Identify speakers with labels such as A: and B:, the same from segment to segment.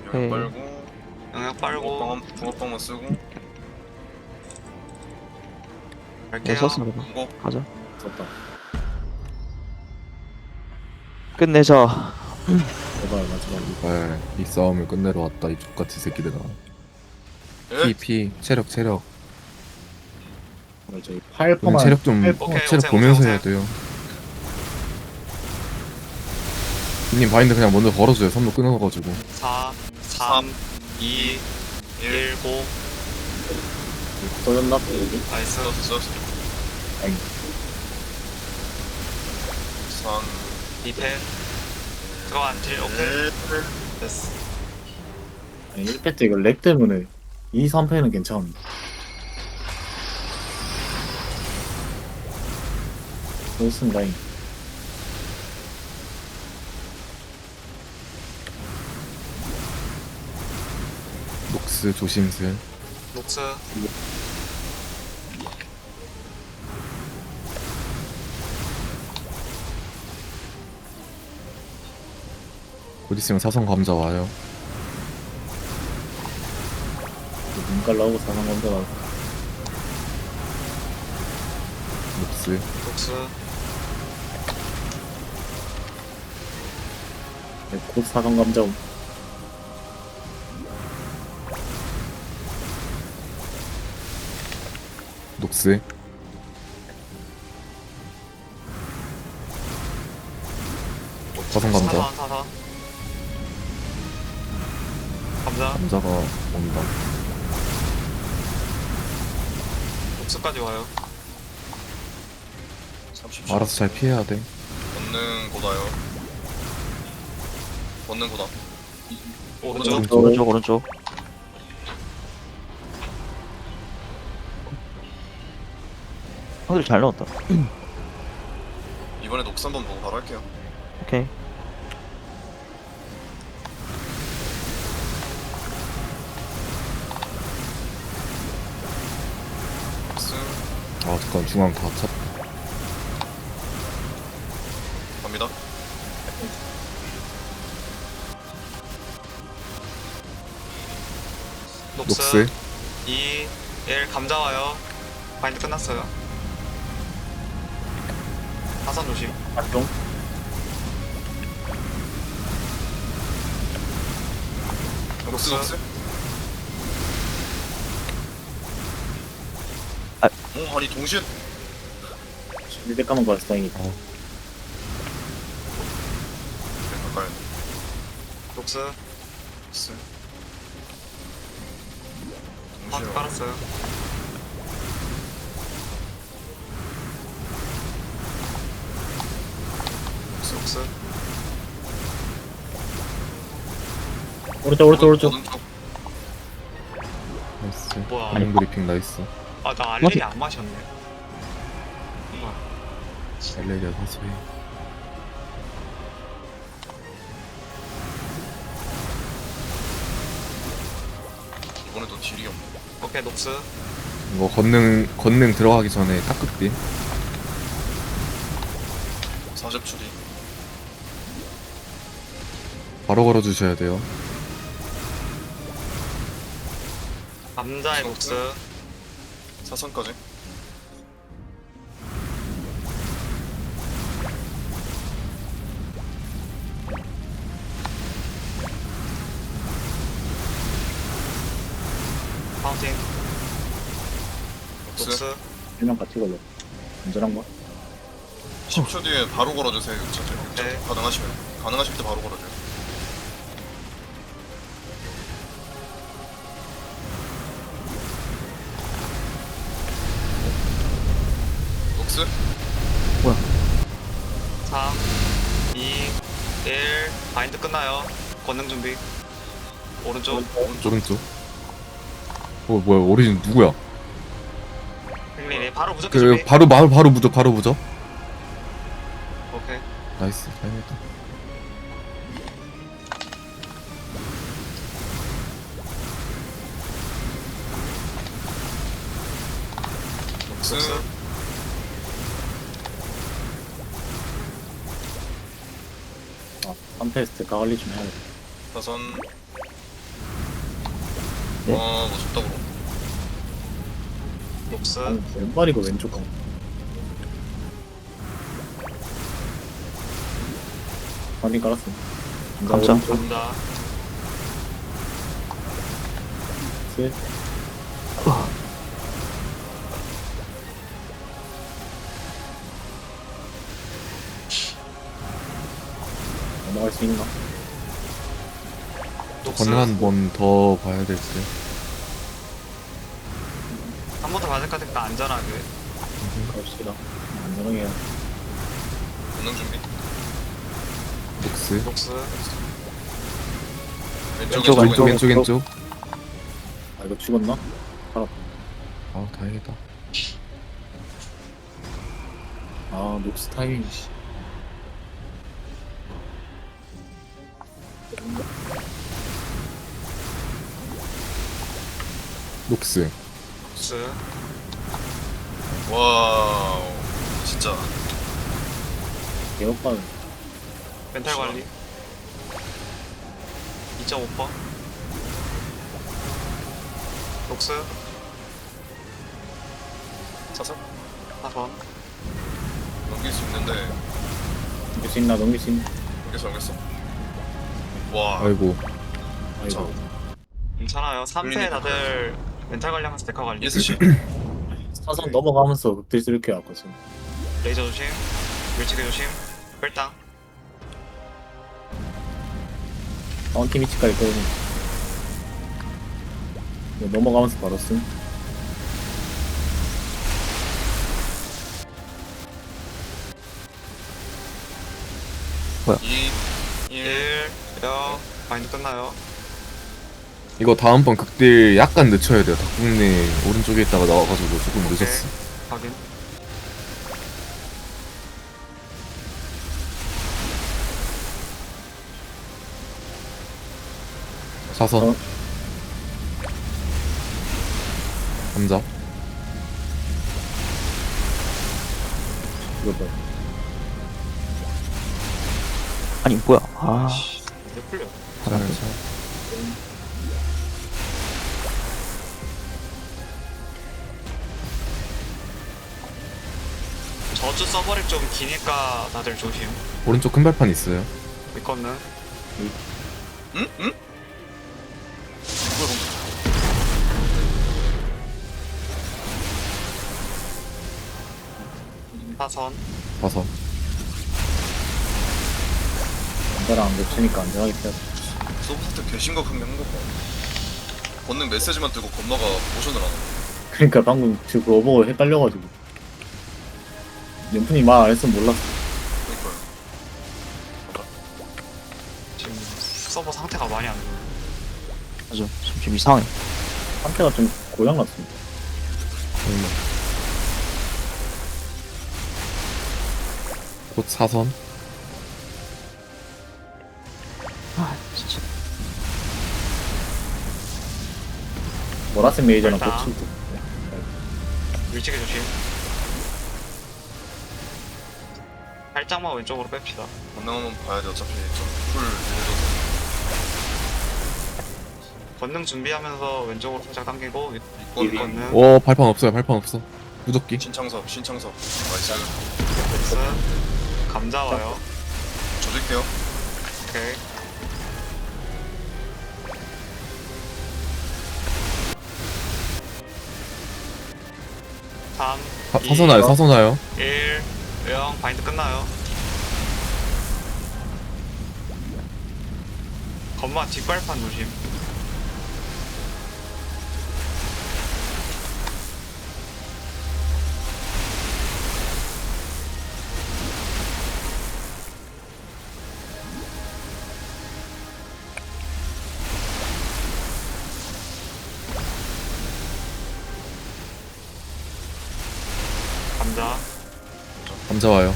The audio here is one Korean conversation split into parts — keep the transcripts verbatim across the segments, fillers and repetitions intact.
A: 오케이.
B: 영역 빨고
C: 영역 빨고
B: 붕어빵 붕어빵만 쓰고
A: 이거
C: 갈게요.
A: 썼어 그거.
B: 무거
A: 가자.
D: 썼다.
A: 끝내자.
D: 제발 마지막.
E: 제발 이 싸움을 끝내러 왔다 이 족같이 새끼들아.
B: 예?
E: 피, 피, 체력, 체력.
D: 오늘 저희 팔
E: 오늘
D: 퍼만.
E: 체력 좀
D: 팔 퍼.
C: 오케이.
E: 체력
C: 오세요,
E: 보면서
C: 오세요,
E: 해야 돼요. 님 바인드 그냥 먼저 걸어줘요. 선로 끊어가지고.
C: 사, 삼, 이, 일, 고.
D: 터졌나? 여기?
C: 나이스.
B: 썼어 썼어
D: 아니.
B: 삼
C: 이 패. 들어가 안틸 오케이.
B: 일
C: 됐어.
D: 아니 일 패 때 이거 렉 때문에 이, 삼 패는 괜찮은데. 좋습니다. 잉.
E: 녹스 조심슬.
C: 녹스.
E: 곧 있으면 사선 감자 와요.
D: 눈깔 나오고 사상 건져 나오고.
E: 녹스.
C: 녹스.
D: 네, 곧 사강 감자 옴.
E: 녹스. 사선 감자.
C: 사선, 사선. 감자.
E: 감자가 온다.
C: 녹스까지 와요.
B: 삼십 초
E: 알아서 잘 피해야 돼.
B: 걷는 고다요 걷는 고다
C: 오른쪽.
E: 오른쪽.
A: 오른쪽 오른쪽. 형들 잘 넣었다.
B: 이번에 녹스 한번 보고 바로 할게요
A: 오케이.
B: 녹스
E: 아 잠깐 중앙 다 찼.
B: 갑니다
C: 녹스.
E: 녹스.
C: 이, 일, 감자 와요. 바인드 끝났어요. 사선 조심.
D: 활동.
B: 녹스
C: 녹스.
B: 녹스
A: 아.
B: 어 아니 동시에
D: 일 대 까만 거였어 다행이다.
B: 네, 가까이
C: 녹스.
B: 녹스
C: 바인드
B: 동시에
C: 깔았어요. 녹스, 녹스.
D: 오른쪽 오른쪽 오른쪽.
B: 오른쪽
E: 나이스.
C: 뭐야.
E: 아니 브리핑 나이스.
C: 아, 나 알레리 안 마셨네. 우와.
E: 엘레리아 사소해.
B: 이번에도 딜이 없네
C: 오케이, 녹스.
E: 이거 건능 건능 들어가기 전에 깍극딜.
B: 사십 초 뒤
E: 바로 걸어주셔야 돼요.
C: 감자의 녹스.
B: 사선까지
C: 파운틴.
B: 녹스
C: 녹스.
D: 일명 같이 걸려. 안전한 거.
B: 십 초 뒤에 바로 걸어주세요 육차들
C: 네.
B: 가능하시면 가능하실 때 바로 걸어줘요 녹스
C: 삼, 이, 일. 바인드 끝나요. 권능 준비. 오른쪽.
E: 오른쪽. 어 뭐야 오리진 누구야?
C: 힐링이 바로 무조건
E: 그
C: 준비.
E: 바로 바로 바로 무적 바로 무적.
C: 오케이.
E: 나이스. 다행이다.
B: 녹스
C: 녹스.
D: 아, 한 테스트 가을리 좀 해야겠다.
B: 사선
A: 네.
B: 아 무섭다 그럼.
C: 녹스
D: 아니, 왼발이고 왼쪽 가. 많이 깔았어.
A: 감자.
D: 오른쪽
C: 감자
D: 셋. 넘어갈 수 있나?
C: 녹스
E: 건능 한 번 더 봐야 될 듯.
C: 한 번 더 맞을 것 같으니까 안전하게.
D: 갑시다. 안전하게 해야.
B: 본능 준비.
E: 녹스.
C: 녹스
B: 왼쪽
A: 왼쪽,
B: 왼쪽
E: 왼쪽
B: 왼쪽.
E: 왼쪽 왼쪽.
D: 아 이거 죽었나?
E: 아 다행이다.
D: 아 녹스 타이밍. 씨.
E: 녹스.
C: 녹스
B: 와우. 진짜.
D: 개업반.
C: 멘탈 관리 이 점 오 퍼센트 녹스
B: 사서
C: 사선
B: 넘길 수 있는데
D: 넘길 수 있나? 넘길 수 있나?
B: 넘겼어 넘겼어. 와.
E: 아이고.
D: 아이고.
C: 괜찮아요. 삼 패
B: 끌리니까
C: 다들 멘탈 관리하면서 데카 관리.
B: 예스씨.
D: 사선 넘어가면서 극딜 쓸게 아까 지금.
C: 레이저 조심. 밀치기 조심. 뺄당.
D: 파운틴 위치까지 끌고. 이거 넘어가면서 바로 쓴.
B: 이 일.
C: 일 영 마인드 끝나요.
E: 이거 다음번 극딜 약간 늦춰야 돼요. 닭국내 오른쪽에 있다가 나와가지고 조금
C: 오케이.
E: 늦었어.
C: 확인.
E: 사선.
D: 어.
E: 감자.
D: 이거 봐.
A: 아니 뭐야? 아
C: 이제 풀려.
E: 잘, 잘.
C: 저주 서버랩 좀 기니까 다들 조심.
E: 오른쪽 큰 발판 있어요.
C: 이거는
B: 응? 응? 뭐야
C: 사선.
E: 사선.
D: 남자랑 안 겹치니까 안전하게 피하자.
B: 방금. 서브사태 개심각한 게 한 거봐. 본능 메시지만 뜨고 건너가 모션을 안 하고.
D: 그러니까 방금 지금 그거 보고 헷갈려가지고. 연fun이 말 안 했으면 몰랐어.
B: 그니까요.
C: 지금 서버 상태가 많이 안 좋아.
A: 맞아. 좀 이상해.
D: 상태가 좀 고장 났습니다.
E: 정말. 곧 사선.
A: 아 진짜.
D: 보라색 메이저랑
C: 일단.
D: 고치고.
C: 밀치기 조심. 살짝만 왼쪽으로 뺍시다.
B: 건능 한번 봐야 돼. 어차피 좀풀 밀려서.
C: 권능 준비하면서 왼쪽으로 살짝 당기고
B: 이건
C: 권능.
E: 오 발판 없어요. 발판 없어. 무적기.
B: 신창섭 신창섭. 나이스.
C: 스 감자 와요.
B: 조질게요.
C: 오케이. 삼,
E: 사,
C: 이,
E: 사선 와요. 사선 와요.
C: 일, 영 바인드 끝나요. 건마 뒷발판 조심. 감자.
E: 감자 와요.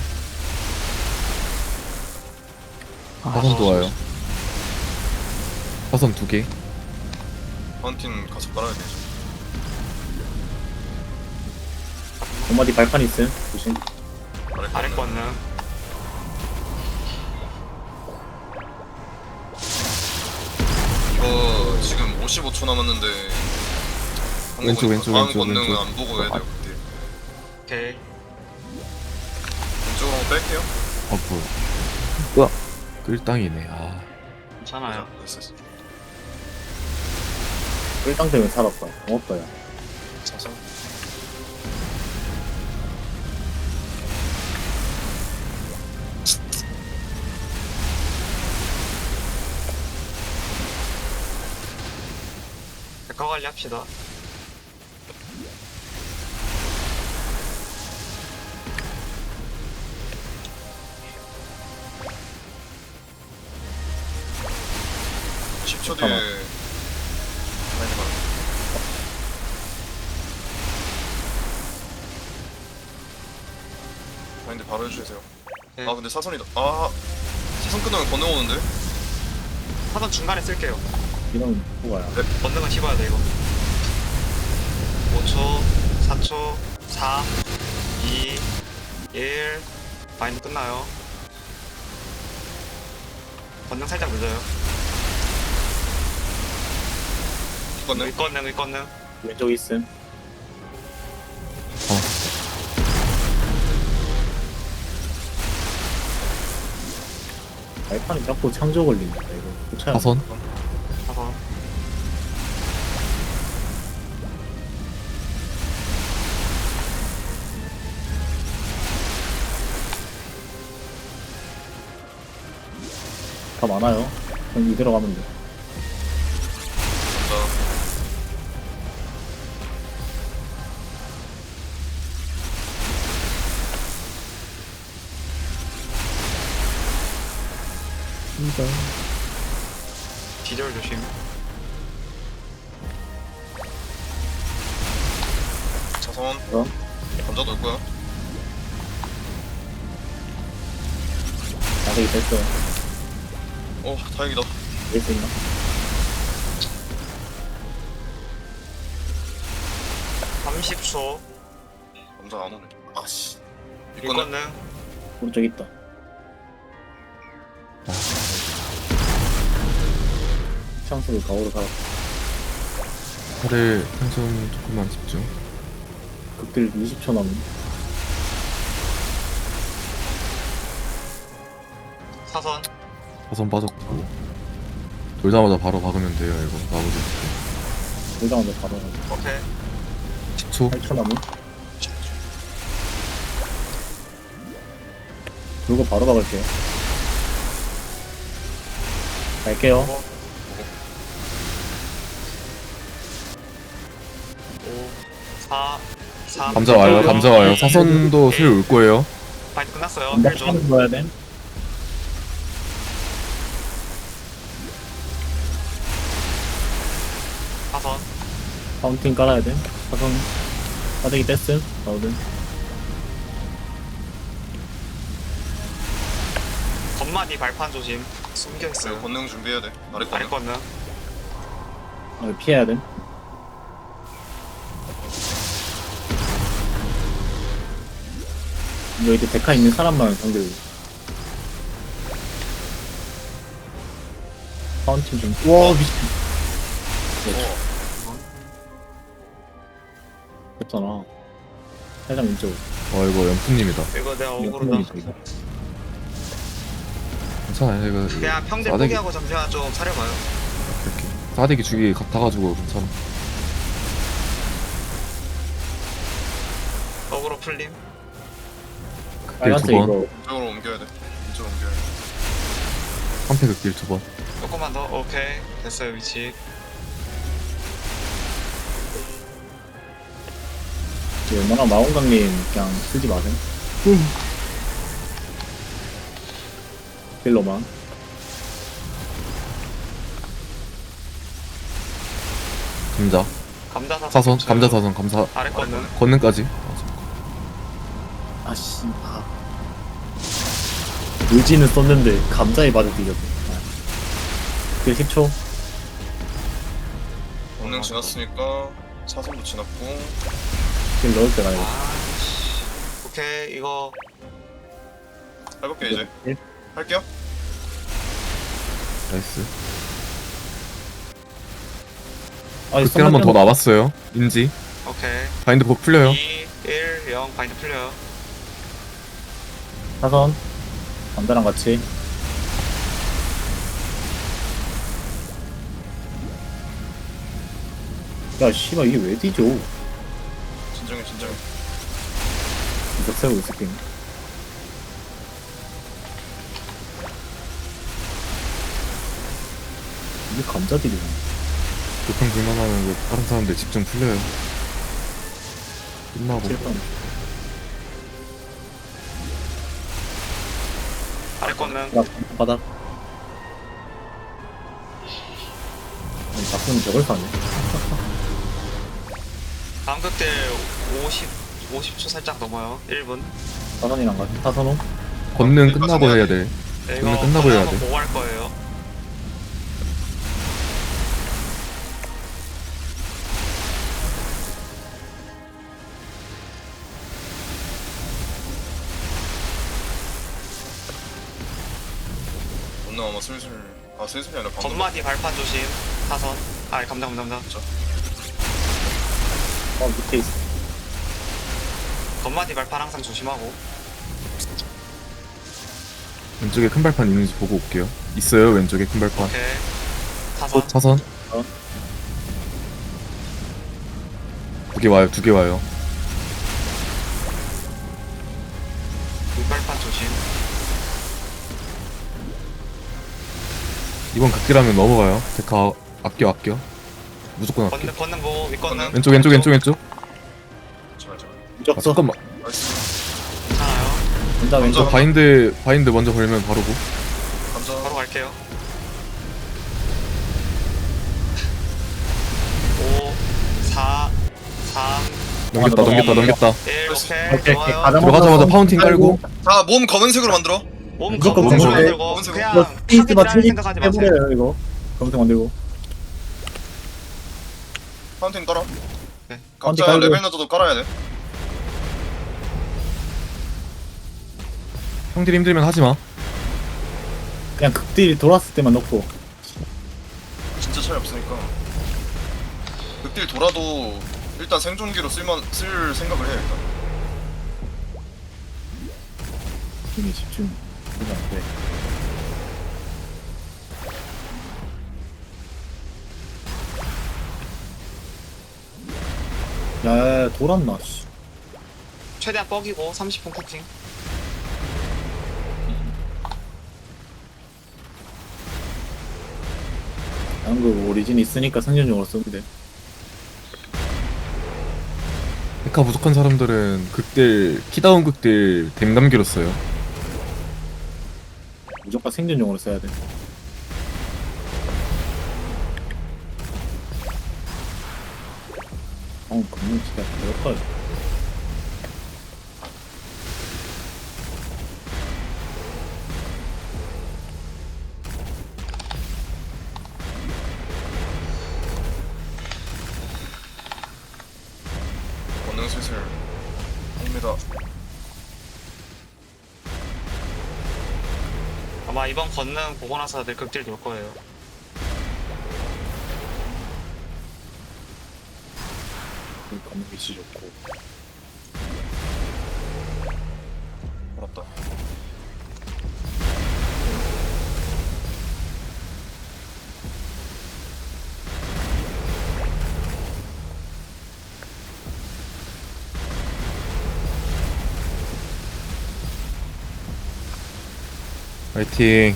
A: 아,
E: 사선도 와요. 사선 두 개.
B: 파운틴 가서 깔아야 되죠.
D: 엄마디 발판 있음. 조심.
B: 아래
C: 아래
B: 건능.
C: 권능.
B: 이거 지금 사십오 초 남았는데
E: 왼쪽, 왼쪽,
B: 다음
E: 왼쪽,
B: 권능은
E: 왼쪽.
B: 안 보고 해야 돼요 그때.
C: 오케이.
B: 왼쪽으로 뺄게요.
E: 아 뭐야
A: 뭐야?
E: 끌땅이네. 아
C: 괜찮아요.
B: 됐어 됐어.
D: 일당 때문에 살았다. 고맙다 야.
B: 자자.
C: 백화 관리 합시다.
B: 십 초 뒤에
D: 잠깐만.
B: 많이 봐. 마인드 바로 해주세요.
C: 네.
B: 아 근데 사선이다. 아 사선 끝나면 권능 오는데?
C: 사선 중간에 쓸게요.
D: 이런 후가야.
C: 권능은 씹어야 돼 이거. 오 초, 사 초, 사, 이, 일. 마인드 끝나요. 권능 살짝 늦어요.
B: 권능?
C: 의권능, 의권능.
D: 왼쪽 있음. 발판이 자꾸 창조 걸린다 이거. 고쳐야 돼.
E: 사선
C: 사선.
D: 다 많아요. 그럼 이대로 가면 돼.
B: 간다.
C: 기절 조심.
B: 자선.
D: 그럼
B: 감자 넣을 거야.
D: 나대기 됐어.
B: 어 다행이다.
D: 될수 있나?
C: 삼십 초.
B: 감자 안 오네. 아씨. 이거는
C: 의권능.
D: 오른쪽 있다. 창수를 가오로 살았다.
E: 다들 한손 조금만 집중.
D: 극딜 이십 초 남은.
C: 사선.
E: 사선 빠졌고 돌자마자 바로 박으면 돼요. 이거 나머지
D: 돌자마자 바로 가자.
C: 오케이.
E: 십 초.
D: 팔 초 남은. 그리고 바로 박을게요. 갈게요.
C: 오, 사, 삼.
E: 감자 와요. 감자 와요. 사선도 슬 올 거예요.
C: 마인드 끝났어요.
D: 한번
C: 일 조.
D: 좀 넣어야 돼.
C: 사선.
D: 파운틴 깔아야 돼. 사선 빠대기 뗐음. 나오든.
C: 건마디 발판 조심.
B: 그
C: 숨겨있어요.
B: 권능 준비해야 돼. 아래
C: 아래
B: 권능.
C: 건능.
D: 아, 피해야 돼. 이거 이제 데카 있는 사람만 상대로. 파운틴 좀. 와 미친.
B: 어.
D: 됐잖아. 살짝 왼쪽.
E: 어 이거 연프님이다.
C: 이거 내가
D: 이거
C: 억울하다.
D: 이거 이거.
E: 괜찮아요. 이거
C: 그냥 평대
E: 싸대기.
C: 포기하고 잠시만 좀 차려봐요.
E: 이렇게 싸대기 주기 같아가지고 괜찮아.
C: 억울로 풀림.
E: 극딜 두
D: 빨간색
E: 번.
D: 이거.
B: 이쪽으로 옮겨야 돼. 이쪽으로 옮겨야 돼.
E: 한패 극딜 두 번.
C: 조금만 더. 오케이. 됐어요, 위치.
D: 이거 웬만하면 마원강님 그냥 쓰지 마세요. 딜러만.
E: 감자.
C: 감자 사선.
E: 사선.
C: 겹쳐요.
E: 감자 사선. 감사.
C: 아래 건능.
E: 권능까지.
D: 아씨. 아. 의지는 썼는데 감자에 맞아 뒤졌네. 그 십 초.
B: 권능 지났으니까 사선도 지났고.
D: 딜 넣을 때가 아니고.
C: 아, 씨. 오케이. 이거
B: 해볼게 이제.
D: 일.
B: 할게요.
E: 나이스.
D: 아니,
E: 극딜 한 번 더
D: 선발
E: 남았어요. 인지.
C: 오케이.
E: 바인드 복 풀려요.
C: 이, 일, 영 바인드 풀려요.
D: 사선. 남자랑 같이. 야, 씨발, 이게 왜 뒤져?
B: 진정해 진정해.
D: 이거 세우고 있을게. 이게 감자들이네.
E: 교통 불만하면 왜 다른 사람들 집중 풀려요. 끝나고.
D: 칠판.
C: 아래 거는
D: 바닥, 바닥. 아니, 바꾸면 저걸 사네.
C: 다음 극딜 오십, 오십 초 살짝 넘어요. 일 분.
D: 사선이랑 같이. 사선호?
E: 권능 끝나고 해야 돼.
C: 네,
E: 오늘
C: 이거
E: 끝나고 해야
C: 한번
E: 돼.
C: 보고 할 거예요.
B: 오늘 아마 슬슬 아 슬슬이 아니라 방금
C: 건마디 발판 조심. 사선. 아, 감당, 감당, 감당.
D: 어, 밑에 있어.
C: 건마디 발판 항상 조심하고.
E: 왼쪽에 큰 발판 있는지 보고 올게요. 있어요, 왼쪽에 큰 발판.
C: 오케이. 사선.
E: 사선.
D: 어.
E: 두 개 와요, 두 개 와요.
C: 물발판 조심.
E: 이번 극딜하면 넘어가요. 데카 아껴, 아껴. 무조건 아껴.
C: 건능, 건능 보고, 윗건능.
E: 왼쪽, 왼쪽, 왼쪽, 왼쪽.
B: 제발 제발.
E: 아,
D: 무적서.
E: 잠깐만.
B: 나이스.
C: 괜찮아요.
D: 남자 왼쪽.
E: 저 바인드, 바인드 먼저 걸면 바로고.
B: 감자.
C: 바로 갈게요. 오, 사, 삼,
E: 넘겼다,
D: 아,
E: 넘겼다,
D: 넘어가.
E: 넘겼다.
C: 일. 오케이.
D: 오케이,
C: 좋아요.
D: 가자.
E: 들어가자마자 파운틴 깔고.
B: 자몸 검은색으로 만들어.
C: 몸
D: 무조건
C: 검은색으로
E: 검은색.
C: 만들고
B: 검은색으로.
C: 그냥
D: 이거 페이스바
C: 타겟이라는
D: 트리
C: 생각하지 마세요.
D: 해버려요, 이거. 검색 만들고.
B: 파운틴 깔아.
C: 네.
B: 각자
D: 파운틴 깔고.
B: 레벨 낮아도 깔아야 돼.
E: 형들이 힘들면 하지 마.
D: 그냥 극딜 돌았을 때만 넣고.
B: 진짜 차이 없으니까. 극딜 돌아도 일단 생존기로 쓸만 쓸 생각을 해 일단.
D: 힘이 집중. 이거 안 돼. 야, 야, 야, 돌았나, 씨.
C: 최대한 뻑이고 삼십 분 쿠킹.
D: 나는 그 오리진 있으니까 생존용으로 쓰면 돼.
E: 데카 부족한 사람들은 극딜, 키다운 극딜 댐감기로 써요.
D: 무조건 생존용으로 써야 돼. 어, 검은 진짜 배고파요.
B: 권능 슬슬 합니다.
C: 아마 이번 건능 보고 나서 다들 극딜 돌 거예요.
D: 검은 빛이 좋고.
B: 어렵다.
E: 화이팅.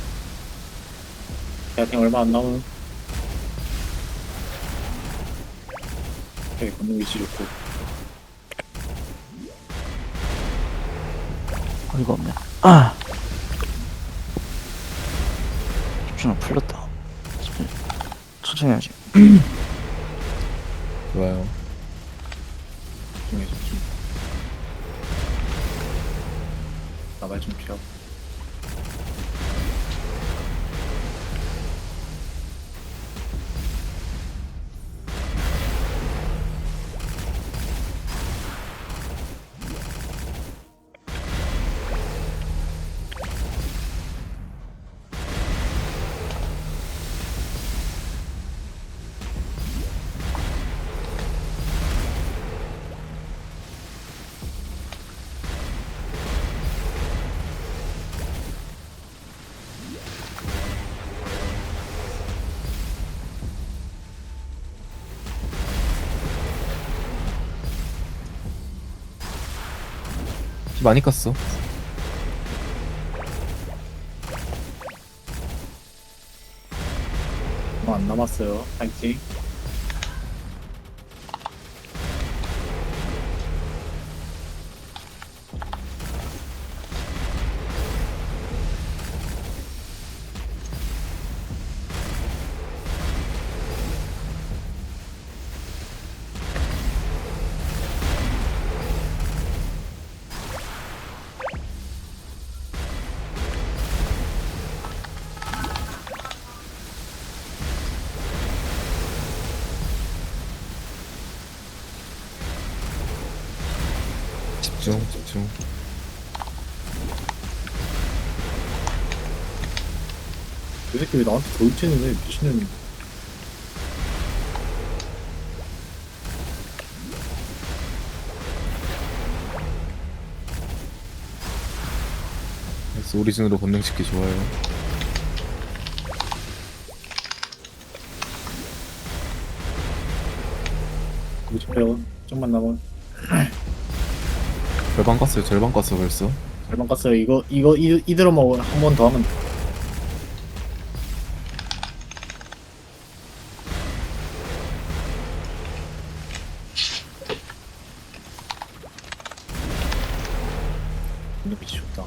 D: 대학생 얼마 안 남은. 되게 검은 빛이 좋고.
A: 어이가 없네. 아. 집중을 풀렸다. 천천히, 천천히 해야지.
E: 좋아요.
D: 집중해, 집중. 나발 좀 피하고.
E: 피 많이 깠어.
D: 얼마 안 남았어요. 파이팅.
E: 집중, 집중.
D: 이 새끼 왜 나한테 돌진을 해? 미친년이.
E: 그래서 오리진으로 건능시키 좋아요.
D: 구십 원 좀만 남은.
E: 절반 깠어요, 절반 깠어 벌써.
D: 절반 깠어요. 이거 이거 이, 이대로만 한 번 더 하면 돼. 근데 빛이 좋다.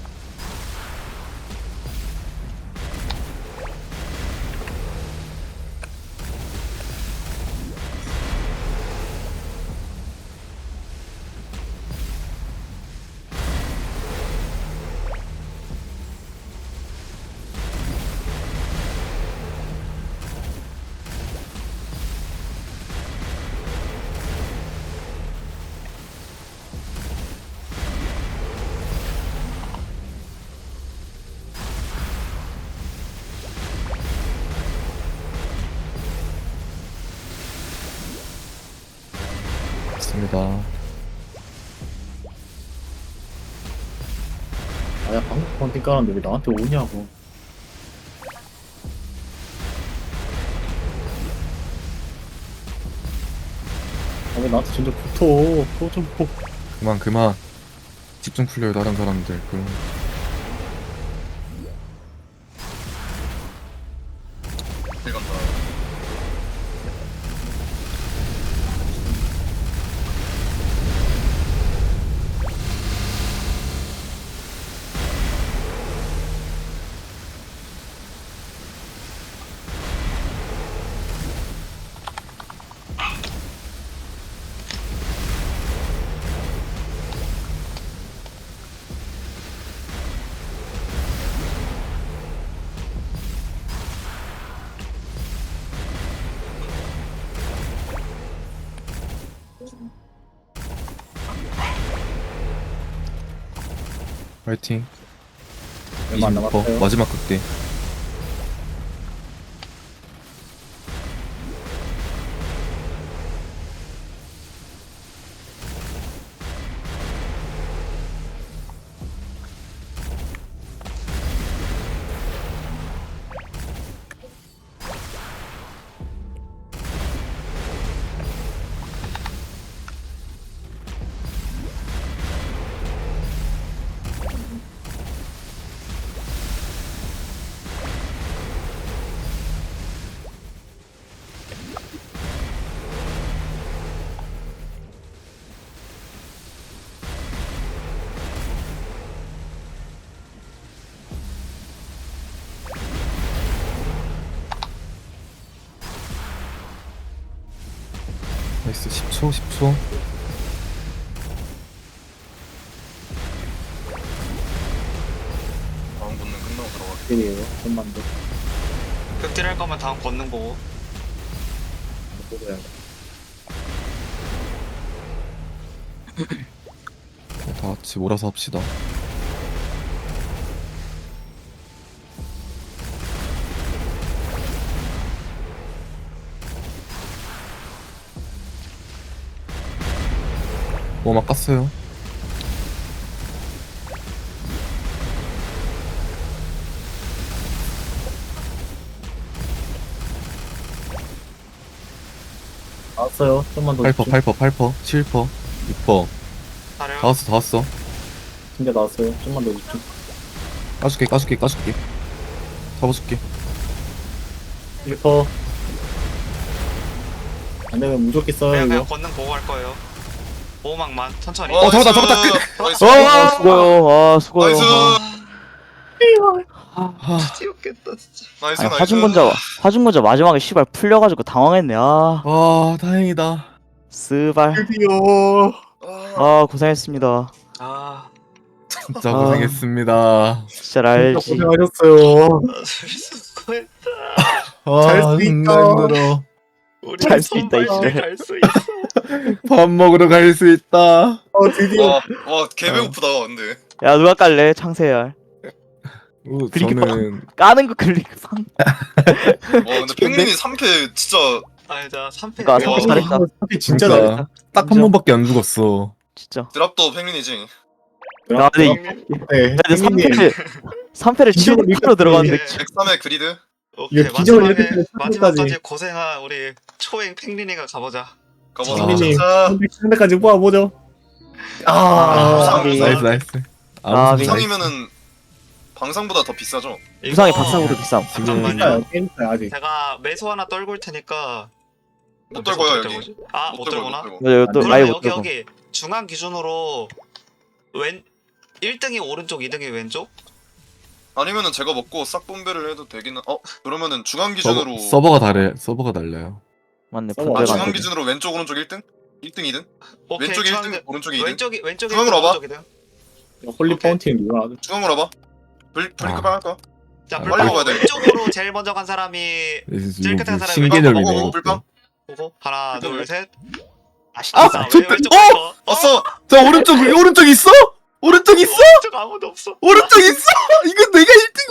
E: 맞습니다.
D: 아야 방금 펀팅 깔았는데 왜 나한테 오냐고. 아 왜 나한테 진짜 붙어. 또좀 뭐.
E: 그만, 그만. 집중 풀려요, 다른 사람들. 그럼.
B: 일 간다.
E: 화이팅.
D: 얼마 안
E: 이십육 퍼
D: 남았어요.
E: 마지막 극대. 나이스. 십 초, 십 초.
B: 다음 권능 끝나고 들어갈게.
D: 일이에요. 좀만 더.
C: 극딜 할 거면 다음 권능 보고.
D: 보고야.
E: 다 같이 몰아서 합시다. 오막 깠어요.
D: 나왔어요. 좀만 더.
E: 팔 퍼,
D: 집중.
E: 팔 퍼, 팔 퍼, 칠 퍼, 육 퍼.
C: 사려.
E: 다 왔어, 다 왔어.
D: 진짜 나왔어요. 좀만 더 집중.
E: 까줄게 까줄게 까줄게. 잡아줄게.
D: 일 퍼. 안 되면 무조건 써요,
C: 그냥 그냥
D: 이거.
C: 걷는 보고 할 거예요. 보호막만 천천히.
E: 어, 잡았다, 잡았다.
B: 나이스.
E: 어!
A: 아 수고요. 아 수고요.
B: 나이스.
E: 아,
C: 뛰었겠다 진짜.
B: 나이스.
A: 아니
B: 나이스.
A: 화중건자 화중건자 마지막에 씨발 풀려가지고 당황했네. 아
E: 아 다행이다.
A: 스발.
D: 드디어.
B: 아,
A: 아 고생했습니다.
C: 아
E: 진짜
A: 아.
E: 고생했습니다.
A: 진짜
D: 진짜
A: 알지.
D: 고생하셨어요.
C: 수고했다.
E: 아
D: 잘수
E: 존나
D: 있다.
E: 힘들어.
C: 우리
A: 잘수 있다, 이제.
C: 갈수 있어.
E: 밥 먹으러 갈 수 있다.
D: 어, 드디어.
B: 와, 와, 개 배고프다, 근데.
A: 야 누가 깔래? 창세열.
E: 오,
A: 그리고
E: 저는
A: 까는 거 클릭방.
B: 와, 근데 펭귄이 삼 패 진짜.
C: 아니 자 삼 패.
A: 그러니까 삼 패
C: 와,
A: 잘했다.
D: 진짜
E: 그러니까
D: 잘했다.
E: 딱 한 번밖에 안 죽었어.
A: 진짜.
B: 드랍도 펭귄이지.
A: 야 근데 이-
D: 네,
A: 근데 삼
D: 펭귄님.
A: 패를 삼 패를 칠
D: 기적을
A: 로 들어갔는데
C: 네.
B: 백삼의 그리드.
C: 오케이
D: 이거 기적을
C: 마지막에
D: 이렇게 해서
C: 마지막까지
D: 삼 패까지.
C: 고생한 우리 초행 팽린이가 가보자.
B: 가보자.
E: 아.
D: 펭귄님.
B: 자,
D: 상대까지 모아보죠. 아,
B: 아,
A: 아,
E: 나이스 나이스.
A: 아,
E: 아무
A: 미-
E: 상관
B: 부상이면은 방상보다 더 비싸죠.
A: 부상이
C: 이거
A: 박상으로 비쌈.
C: 잠깐만요.
D: 괜찮아요. 괜찮아요, 아직.
C: 제가 매수 하나 떨고 올 테니까.
B: 못
C: 매수
B: 떨고요,
C: 어떻게
B: 여기.
C: 떨고지? 아, 못
B: 들고,
C: 떨구나?
B: 들고.
A: 맞아 이거 또
D: 안
A: 라이브
C: 그러면
A: 못
C: 여기
A: 들고.
C: 여기 중앙 기준으로 왼 일 등이 오른쪽, 이 등이 왼쪽?
B: 아니면은 제가 먹고 싹 분배를 해도 되기는. 어, 그러면은 중앙
E: 서버,
B: 기준으로.
E: 서버가 다르 서버가 달라요.
A: 맞네
D: 서버
B: 아,
A: 분배가
B: 중앙
A: 안 되네.
B: 기준으로 왼쪽 오른쪽 일 등? 일 등 이 등?
C: 오케이,
B: 왼쪽이 일
C: 중앙-
B: 등, 오른쪽이 이 등?
C: 왼쪽이 왼쪽이
B: 중앙으로 와봐.
C: 오른쪽이 등.
D: 홀리
C: 오케이.
D: 파운틴 누가 하죠?
B: 중앙으로 와봐. 블 블링크
E: 아.
B: 할까?
C: 자,
E: 아,
C: 불빵
B: 빨리 먹어야 돼.
C: 왼쪽으로 제일 먼저 간 사람이 찔끗한 사람이
E: 신개념이네.
B: 어, 어,
E: 이것도.
B: 불빵.
C: 보고 하나,
B: 불빵.
C: 둘, 셋.
A: 아
C: 아,
A: 진짜.
C: 왜 왼쪽부터?
B: 왔어.
E: 자 오른쪽 오른쪽 있어? 오른쪽 있어?
C: 오른쪽 아무도 없어.
E: 오른쪽 있어? 이거 내가 일 등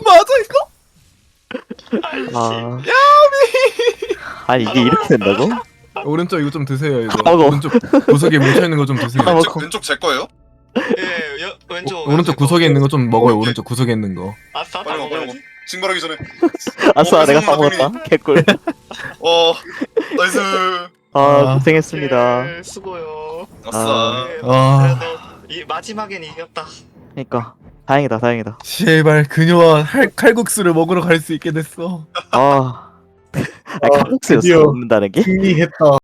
E: 맞아 이거?
A: 아. 아니 이게 이렇게 된다고?
E: 오른쪽 이거 좀 드세요 이거.
A: 아, 먹어.
E: 오른쪽 구석에 뭉쳐 있는 거 좀 드세요.
A: 아, 먹어.
B: 왼쪽 왼쪽 제 거예요?
C: 예, 여, 왼쪽.
E: 오, 오른쪽 구석에 있는 거 좀 먹어요. 오른쪽 구석에 있는 거.
C: 아싸, 다
B: 빨리 먹어, 빨리 먹어.
C: 먹어야지.
B: 징발하기 전에.
A: 아싸
B: 어,
A: 내가
B: 배송만
A: 까먹었다. 개꿀.
B: 어, 나이스.
A: 아
E: 아.
A: 고생했습니다.
C: 예, 수고요.
B: 아싸.
C: 예,
E: 아.
C: 그래도 이 마지막엔 이겼다.
A: 그러니까 다행이다 다행이다.
E: 제발 그녀와 할, 칼국수를 먹으러 갈 수 있게 됐어.
A: 아. 아니
D: 아,
A: 칼국수였어
D: 드디어.
A: 먹는다는 게?
D: 승리했다.